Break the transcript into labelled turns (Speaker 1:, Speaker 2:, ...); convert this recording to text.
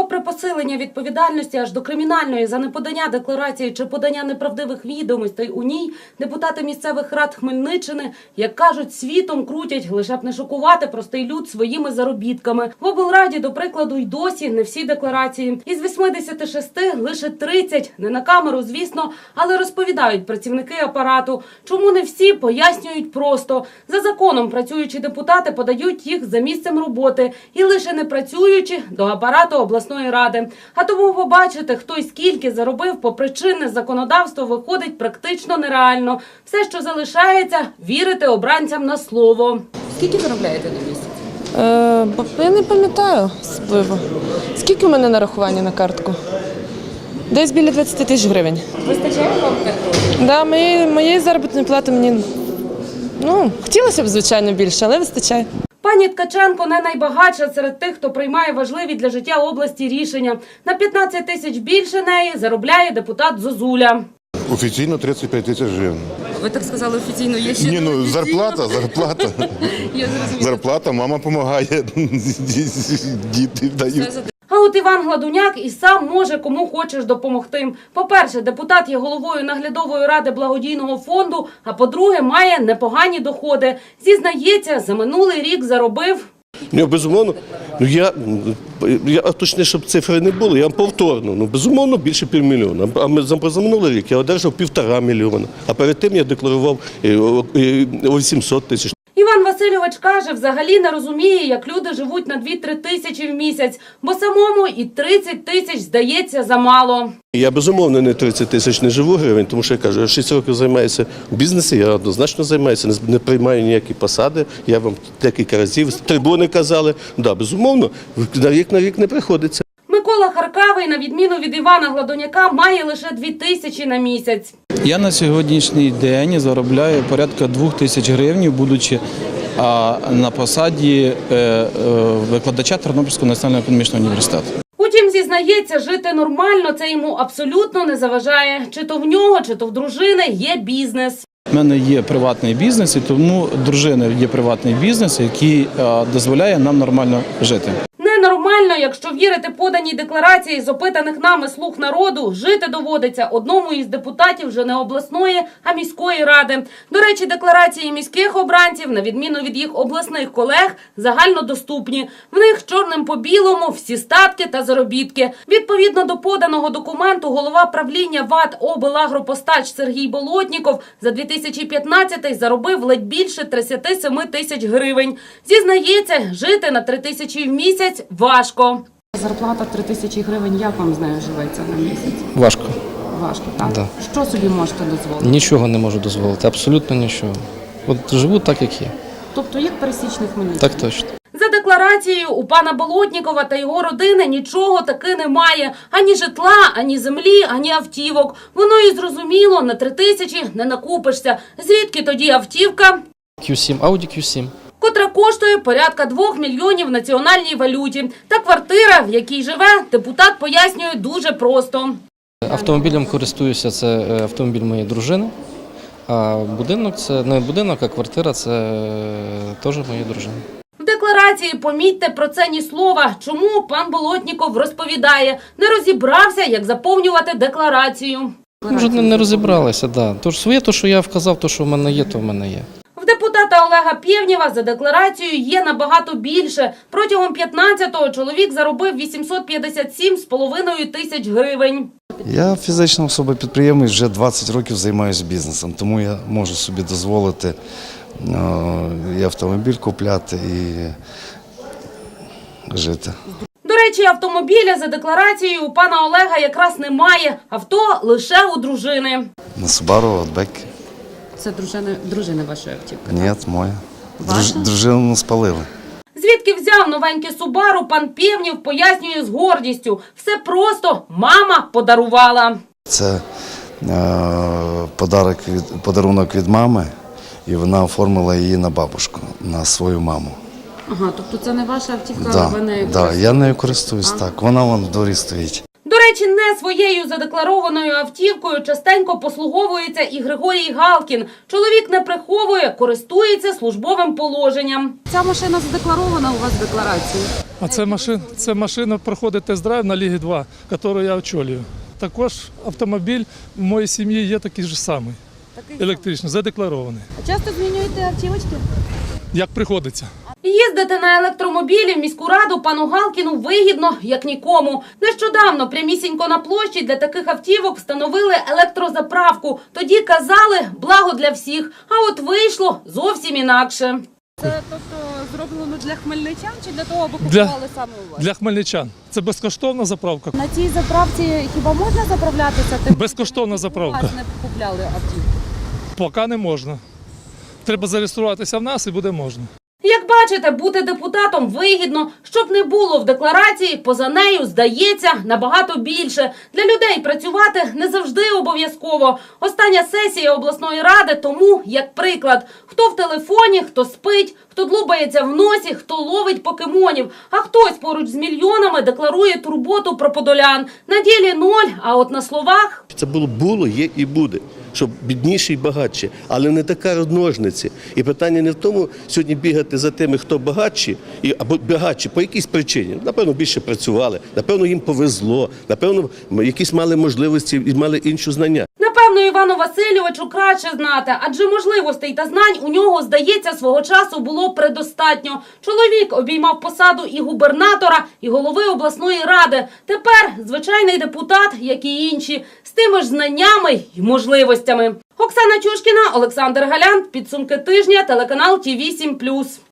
Speaker 1: попри посилення відповідальності аж до кримінальної за неподання декларації чи подання неправдивих відомостей у ній, депутати місцевих рад Хмельниччини, як кажуть, світом крутять, лише б не шокувати простий люд своїми заробітками. В облраді, до прикладу, й досі не всі декларації. Із 86 лише 30, не на камеру, звісно, але розповідають працівники апарату. Чому не всі, пояснюють просто. За законом працюючі депутати подають їх за місцем роботи і лише не працюючи до апарату обласної ради. А тому побачити, хто й скільки заробив попри чинне законодавство, виходить практично нереально. Все, що залишається – вірити обранцям на слово. Скільки заробляєте на місяць?
Speaker 2: Я не пам'ятаю особливо. Скільки в мене нарахування на картку? Десь біля 20 тисяч гривень.
Speaker 1: Вистачає вам так?
Speaker 2: Да, моєї заробітної плати мені, хотілося б, звичайно, більше, але вистачає.
Speaker 1: Пані Ткаченко не найбагатша серед тих, хто приймає важливі для життя області рішення. На 15 тисяч більше неї заробляє депутат Зозуля.
Speaker 3: Офіційно 35 тисяч гривень.
Speaker 1: Ви так сказали офіційно, є ще
Speaker 3: Ні, зарплата.
Speaker 1: Я зрозуміла.
Speaker 3: Зарплата, мама допомагає, діти дають.
Speaker 1: А от Іван Гладуняк і сам може кому хочеш допомогти. По-перше, депутат є головою наглядової ради благодійного фонду, а по-друге, має непогані доходи. Зізнається, за минулий рік заробив...
Speaker 4: Безумовно, я точніше, щоб цифри не було, я повторно, безумовно, більше півмільйона. А за минулий рік я одержав 1,5 мільйона, а перед тим я декларував 800 тисяч.
Speaker 1: Іван Васильович каже, взагалі не розуміє, як люди живуть на 2-3 тисячі в місяць, бо самому і 30 тисяч здається замало.
Speaker 4: Я, безумовно, не 30 тисяч не живу гривень, тому що я кажу, я 6 років займаюся в бізнесі, я однозначно займаюся, не приймаю ніякі посади, я вам декілька разів з трибуни казали, безумовно, на рік не приходиться.
Speaker 1: Микола Харкавий, на відміну від Івана Гладуняка, має лише 2 тисячі на місяць.
Speaker 5: Я на сьогоднішній день заробляю порядка 2 тисяч гривень, будучи на посаді викладача Тернопільського національного економічного університету.
Speaker 1: Утім, зізнається, жити нормально це йому абсолютно не заважає. Чи то в нього, чи то в дружини є бізнес.
Speaker 5: У мене є приватний бізнес, і тому дружина є приватний бізнес, який дозволяє нам нормально жити.
Speaker 1: Ненормально, якщо вірити поданій декларації з опитаних нами «Слуг народу», жити доводиться одному із депутатів вже не обласної, а міської ради. До речі, декларації міських обранців, на відміну від їх обласних колег, загальнодоступні. В них чорним по білому всі статки та заробітки. Відповідно до поданого документу, голова правління ВАТ «Облагропостач» Сергій Болотніков за 2015 заробив ледь більше 37 тисяч гривень. Зізнається, жити на 3 тисячі в місяць важко. Зарплата 3 тисячі гривень, як вам з нею живеться на місяць?
Speaker 6: Важко.
Speaker 1: Важко, так?
Speaker 6: Да.
Speaker 1: Що собі можете дозволити?
Speaker 6: Нічого не можу дозволити, абсолютно нічого. От живу так, як є.
Speaker 1: Тобто як пересічний хмельничанин?
Speaker 6: Так точно.
Speaker 1: За декларацією у пана Болотнікова та його родини нічого таки немає. Ані житла, ані землі, ані автівок. Воно і зрозуміло, на 3 тисячі не накупишся. Звідки тоді автівка?
Speaker 6: Q7, Audi Q7.
Speaker 1: Котра коштує порядка 2 мільйонів в національній валюті. Та квартира, в якій живе, депутат пояснює дуже просто.
Speaker 6: Автомобілем користуюся, це автомобіль моєї дружини. А будинок – це не будинок, а квартира – це теж моєї дружини.
Speaker 1: В декларації, помітьте, про це ні слова. Чому пан Болотніков розповідає, не розібрався, як заповнювати декларацію.
Speaker 6: Вже не розібралися, да. Тож своє, то, що я вказав, то, що в мене є, то в мене є.
Speaker 1: В депутата Олега Пєвнєва за декларацією є набагато більше. Протягом 15-го чоловік заробив 857,5 тисяч гривень.
Speaker 7: Я фізична особа-підприємець, вже 20 років займаюся бізнесом, тому я можу собі дозволити і автомобіль купляти, і жити.
Speaker 1: До речі, автомобіля за декларацією у пана Олега якраз немає. Авто лише у дружини.
Speaker 7: На Subaru, Outback.
Speaker 1: Це дружина вашої автівки?
Speaker 7: Ні, моя.
Speaker 1: Ваша?
Speaker 7: Дружину спалили.
Speaker 1: Звідки взяв новеньке Subaru, пан Пєвнєв пояснює з гордістю. Все просто мама подарувала.
Speaker 7: Це подарунок від мами, і вона оформила її на бабушку, на свою маму.
Speaker 1: Ага, тобто це не ваша автівка,
Speaker 7: Да,
Speaker 1: ви нею
Speaker 7: да, я нею користуюсь, так. Вона вон в дворі стоїть.
Speaker 1: До речі, не своєю задекларованою автівкою частенько послуговується і Григорій Галкін. Чоловік не приховує, користується службовим положенням. Ця машина задекларована у вас в декларації?
Speaker 8: А це машина проходить тест-драйв на Лігі 2, яку я очолюю. Також автомобіль в моїй сім'ї є такий же самий, електричний, задекларований.
Speaker 1: А часто змінюєте автівочки?
Speaker 8: Як приходиться.
Speaker 1: Їздити на електромобілі в міську раду пану Галкіну вигідно, як нікому. Нещодавно прямісінько на площі для таких автівок встановили електрозаправку. Тоді казали – благо для всіх. А от вийшло зовсім інакше.
Speaker 9: Це тобто зроблено для хмельничан чи для того, аби купували саме у вас?
Speaker 8: Для хмельничан. Це безкоштовна заправка.
Speaker 9: На цій заправці хіба можна заправлятися? Тим,
Speaker 8: Безкоштовна
Speaker 9: у
Speaker 8: заправка.
Speaker 9: вас не купляли автівку?
Speaker 8: Поки не можна. Треба зареєструватися в нас і буде можна.
Speaker 1: Як бачите, бути депутатом вигідно. Щоб не було в декларації, поза нею, здається, набагато більше. Для людей працювати не завжди обов'язково. Остання сесія обласної ради тому, як приклад. Хто в телефоні, хто спить, хто длубається в носі, хто ловить покемонів. А хтось поруч з мільйонами декларує турботу про подолян. На ділі ноль, а от на словах...
Speaker 4: Це було, є і буде. Щоб бідніші і багатші, але не така розмножниці. І питання не в тому сьогодні бігати за тими, хто багатші, або багатші по якійсь причині. Напевно, більше працювали, напевно, їм повезло, напевно, якісь мали можливості і мали інші знання.
Speaker 1: Напевно, Івану Васильовичу краще знати, адже можливостей та знань у нього, здається, свого часу було предостатньо. Чоловік обіймав посаду і губернатора, і голови обласної ради. Тепер звичайний депутат, як і інші, з тими ж знаннями й можливостями. Оксана Чушкіна, Олександр Галян. Підсумки тижня. Телеканал ТІВІ 7+.